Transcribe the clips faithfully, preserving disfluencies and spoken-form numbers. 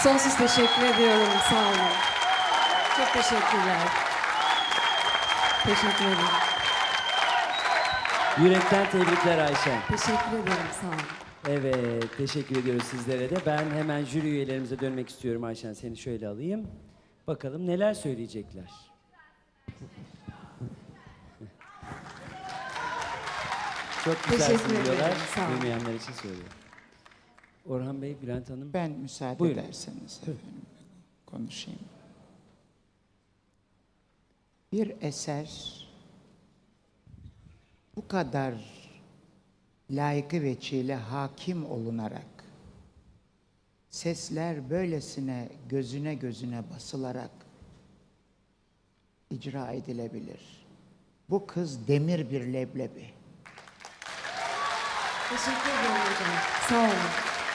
Sonsuz teşekkür ediyorum. Sağ olun. Çok teşekkürler. Teşekkür ederim. Yürekten tebrikler Ayşen. Teşekkür ederim. Sağ olun. Evet, teşekkür ediyoruz sizlere de. Ben hemen jüri üyelerimize dönmek istiyorum Ayşen. Seni şöyle alayım. Bakalım neler söyleyecekler. Çok güzelsin Teşekkür ederim, diyorlar. sağ olun. Duymayanlar için söylüyorum. Orhan Bey, Bülent Hanım. Ben müsaade Buyurun. ederseniz efendim konuşayım. Bir eser bu kadar layıkı veçile hakim olunarak, sesler böylesine gözüne gözüne basılarak icra edilebilir. Bu kız demir bir leblebi. Teşekkür ederim hocam. Sağ olun.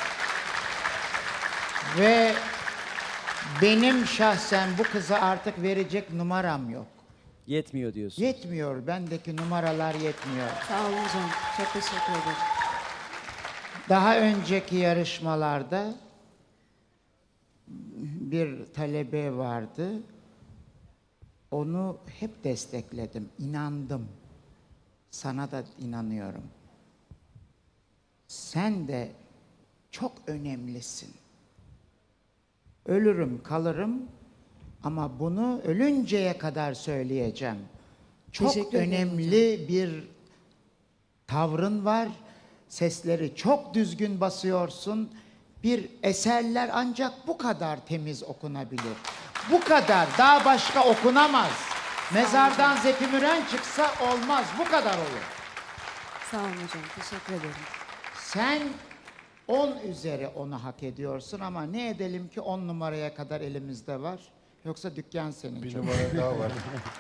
Ve benim şahsen bu kıza artık verecek numaram yok. Yetmiyor diyorsun. Yetmiyor. Bendeki numaralar yetmiyor. Sağ olun hocam. Çok teşekkür ederim. Daha önceki yarışmalarda bir talebe vardı. Onu hep destekledim. İnandım. Sana da inanıyorum. Sen de çok önemlisin. Ölürüm, kalırım ama bunu ölünceye kadar söyleyeceğim. Çok Teşekkür ederim önemli bir tavrın var. Sesleri çok düzgün basıyorsun. Bir eserler ancak bu kadar temiz okunabilir. Bu kadar, daha başka okunamaz. Mezardan Zeki Müren çıksa olmaz, bu kadar olur. Sağ olun hocam. Teşekkür ederim. Sen on üzeri onu hak ediyorsun ama ne edelim ki on numaraya kadar elimizde var. Yoksa dükkan senin. Bir çok. numara daha var.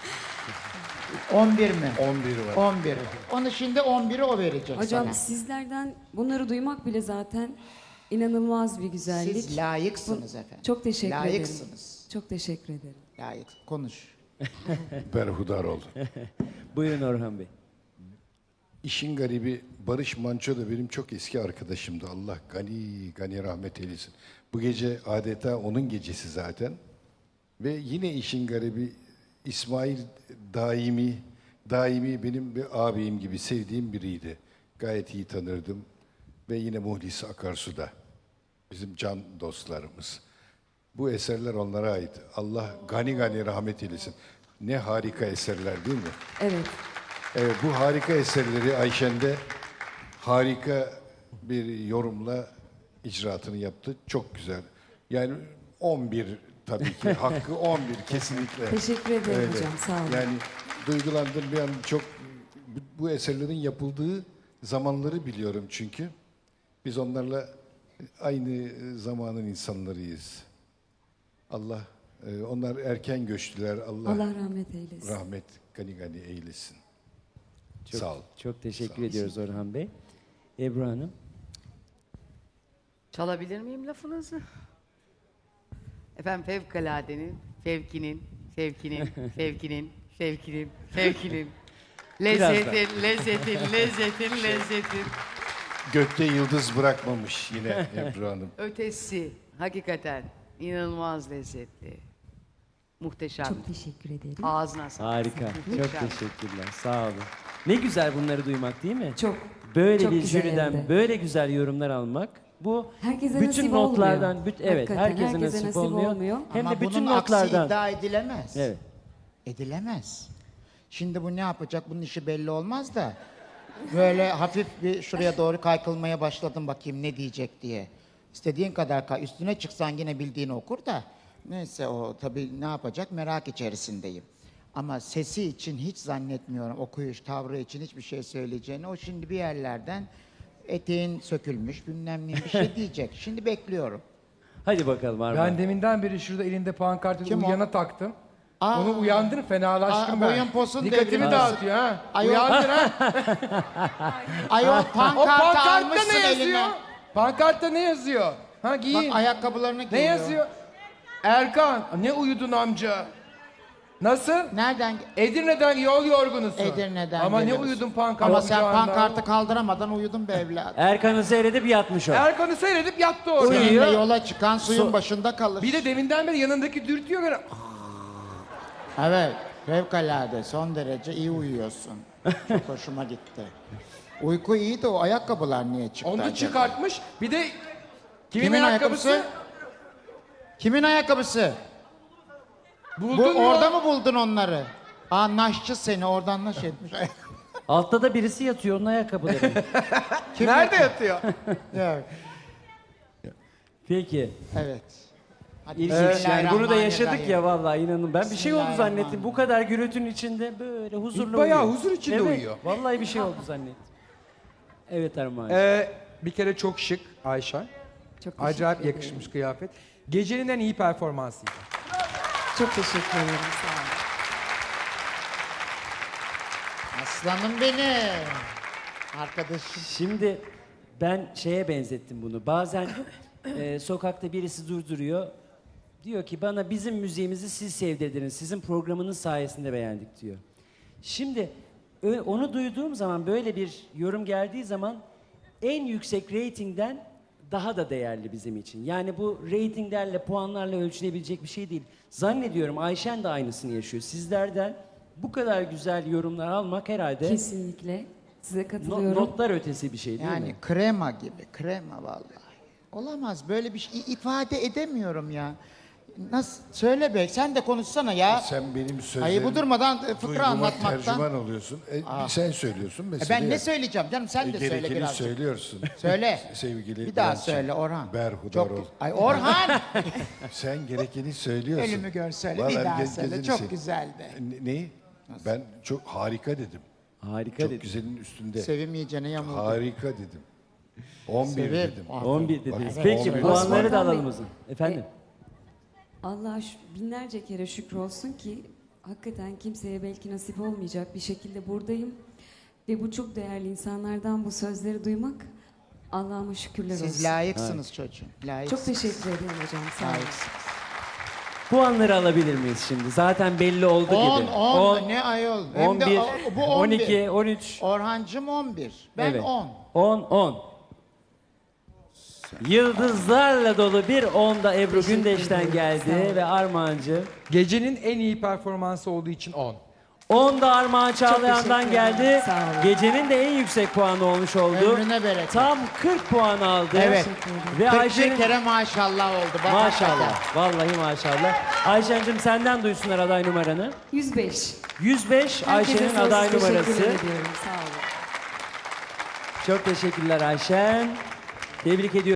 on bir mi? on bir var. on bir. Onu şimdi on biri o verecek Hocam sana. sizlerden bunları duymak bile zaten inanılmaz bir güzellik. Siz layıksınız Bu- efendim. Çok teşekkür ederim. Layıksınız. Çok teşekkür ederim. Layık. Konuş. Berhudar oldu. Buyurun Orhan Bey. İşin garibi Barış Manço da benim çok eski arkadaşımdı. Allah gani gani rahmet eylesin. Bu gece adeta onun gecesi zaten. Ve yine işin garibi İsmail Daimi, Daimi benim bir ağabeyim gibi sevdiğim biriydi. Gayet iyi tanırdım. Ve yine Muhlis Akarsu'da. Bizim can dostlarımız. Bu eserler onlara ait. Allah gani gani rahmet eylesin. Ne harika eserler değil mi? Evet. Evet, bu harika eserleri Ayşen'de harika bir yorumla icraatını yaptı. Çok güzel. Yani on bir tabii ki. Hakkı on bir kesinlikle. Teşekkür ederim Öyle. hocam. Sağ olun. Yani duygulandım bir an çok. bu- Bu eserlerin yapıldığı zamanları biliyorum çünkü. Biz onlarla aynı zamanın insanlarıyız. Allah, e, onlar erken göçtüler. Allah, Allah rahmet eylesin. rahmet gani gani eylesin. Çok, Sağ ol. Çok teşekkür Sağ ol. ediyoruz Orhan Bey. Ebru Hanım. Çalabilir miyim lafınızı? Efendim fevkaladenin, fevkinin, fevkinin, fevkinin, fevkinin, fevkinin, lezzetin, lezzetin, lezzetin, lezzetin, Gökte yıldız bırakmamış yine Ebru Hanım. ötesi hakikaten inanılmaz lezzetli. Muhteşem. Çok teşekkür ederim. Ağzına sağlık. Harika. Çok Muhteşem. teşekkürler. Sağ olun. Ne güzel bunları duymak değil mi? Çok. Böyle çok bir güzel jüriden hem de. böyle güzel yorumlar almak. Bu Herkese bütün nasip notlardan, olmuyor. büt- evet, Hakikaten herkese, herkese nasip, nasip olmuyor. olmuyor. Hem Ama de bütün bunun aksi notlardan. iddia edilemez. Evet. Edilemez. Şimdi bu ne yapacak? Bunun işi belli olmaz da. Böyle hafif bir şuraya doğru kaykılmaya başladım bakayım ne diyecek diye. İstediğin kadar kay. Üstüne çıksan yine bildiğini okur da. Neyse o tabii ne yapacak merak içerisindeyim. Ama sesi için hiç zannetmiyorum. Okuyuş, tavrı için hiçbir şey söyleyeceğini. O şimdi bir yerlerden eteğin sökülmüş bilmem ne bir şey diyecek. Şimdi bekliyorum. Hadi bakalım Armağan. Ben deminden beri şurada elinde pankartı Kim o? uyuyana taktım. Aa. Onu uyandır fenalaştım Aa, ben. boyun posun Dikkatimi devrilmez. dağıtıyor ha. Ayol- Uyandır ha. Ayol O pankartı pankartta almışsın ne yazıyor? eline. Pankartta ne yazıyor? Ha giyin. Bak ayakkabılarını Ne giyiyor. yazıyor? Erkan. Ne uyudun amca? Nasıl? Nereden? Edirne'den yol yorgunusun. Edirne'den Ama ne geliyorsun. uyudun pankart Ama sen kucağında? pankartı kaldıramadan uyudun be evladım. Erkan'ı seyredip yatmış o. Erkan'ı seyredip yattı orada. Uyuyor. Seninle yola çıkan suyun So- başında kalır. Bir de deminden beri yanındaki dürtüyor böyle. Evet, fevkalade, son derece iyi uyuyorsun. Çok hoşuma gitti. Uyku iyi de o ayakkabılar niye çıktı Onu acaba? çıkartmış. Bir de kimin, Kimin ayakkabısı? ayakkabısı? Kimin ayakkabısı? Buldun Bu, mu? orada mı buldun onları? Aa naşçı seni oradan naş etmiş. Altta da birisi yatıyor onun ayakkabıları. Kim Nerede yapıyor? yatıyor? Evet. Peki. Evet. Hadi İlginç yani bunu da Bismillahirrahmanirrahim. yaşadık ya vallahi inanın. Ben bir şey oldu zannettim. Bismillahirrahmanirrahim. Bu kadar gürültünün içinde böyle huzurlu İlk bayağı uyuyor. huzur içinde Evet, uyuyor. Vallahi bir şey oldu zannettim. Evet Armağan. Ee, bir kere çok şık Ayşe. Çok teşekkür Acayip ederim. yakışmış kıyafet. Gecenin en iyi performansıydı. Çok teşekkür ederim. Sağ olun. Aslanım benim. Arkadaşım. Şimdi ben şeye benzettim bunu. Bazen e, sokakta birisi durduruyor. Diyor ki bana bizim müziğimizi siz sevdirdiniz. Sizin programınız sayesinde beğendik diyor. Şimdi ö- onu duyduğum zaman böyle bir yorum geldiği zaman en yüksek reytingden daha da değerli bizim için. Yani bu reytinglerle, puanlarla ölçülebilecek bir şey değil. Zannediyorum Ayşen de aynısını yaşıyor. Sizlerden bu kadar güzel yorumlar almak herhalde Kesinlikle. Size no- katılıyorum. notlar ötesi bir şey değil Yani mi? krema gibi, krema vallahi. Olamaz böyle bir şey ifade edemiyorum ya. Nasıl? Söyle be, sen de konuşsana ya. Sen benim sözlerimi Ayıbı durmadan e, fıkra duyguma anlatmaktan. tercüman oluyorsun. E, sen söylüyorsun E mesela. ben ne söyleyeceğim canım sen de söyle Gerekeni birazcık. söylüyorsun. Söyle. Sevgili Bir daha Bülent'ciğim, söyle Orhan. berhudar Çok- ol. Ay Orhan! Sen gerekeni söylüyorsun. Ölümü gör söyle. Vallahi Bir daha ge- söyle. gezini Çok sev- güzeldi. Ne- Neyi? Ben çok harika dedim. Harika Çok dedi. güzelin üstünde. Sevim iyicene yamuldu. Harika dedim. on bir Sevim. dedim. Ah. on bir dediniz. Bak, Peki on bir. puanları da Osman Bey. alalım o zaman. Efendim? Allah'a şü- binlerce kere şükür olsun ki hakikaten kimseye belki nasip olmayacak bir şekilde buradayım. Ve bu çok değerli insanlardan bu sözleri duymak Allah'ıma şükürler olsun. Siz layıksınız çocuğum. Layıksınız. Çok teşekkür ederim hocam. Sağ olun. Layıksınız. Puanları alabilir miyiz şimdi? Zaten belli oldu on, gibi. on, ne ayol? Hem on de bir, o- bu on on bir. iki, on üç. Orhancım on bir. Ben Evet. on. on, on. Yıldızlarla dolu bir on da Ebru Teşekkür Gündeş'ten ederim. geldi Sağ olun. ve Armağancı. Gecenin en iyi performansı olduğu için on. on da Armağan Çağlayan'dan teşekkür geldi. ederim. Sağ olun. Gecenin de en yüksek puanı olmuş oldu. Ömrüne bereket. Tam kırk puan aldı. Evet. Ve kırk bir Ayşe'nin... kere maşallah oldu. Bak Maşallah. Vallahi maşallah. Ayşen'cim senden duysunlar aday numaranı. yüz beş. yüz beş Herkese Ayşe'nin sonsuz aday teşekkür numarası. ediyorum. Sağ olun. Çok teşekkürler Ayşen. Tebrik ediyorum.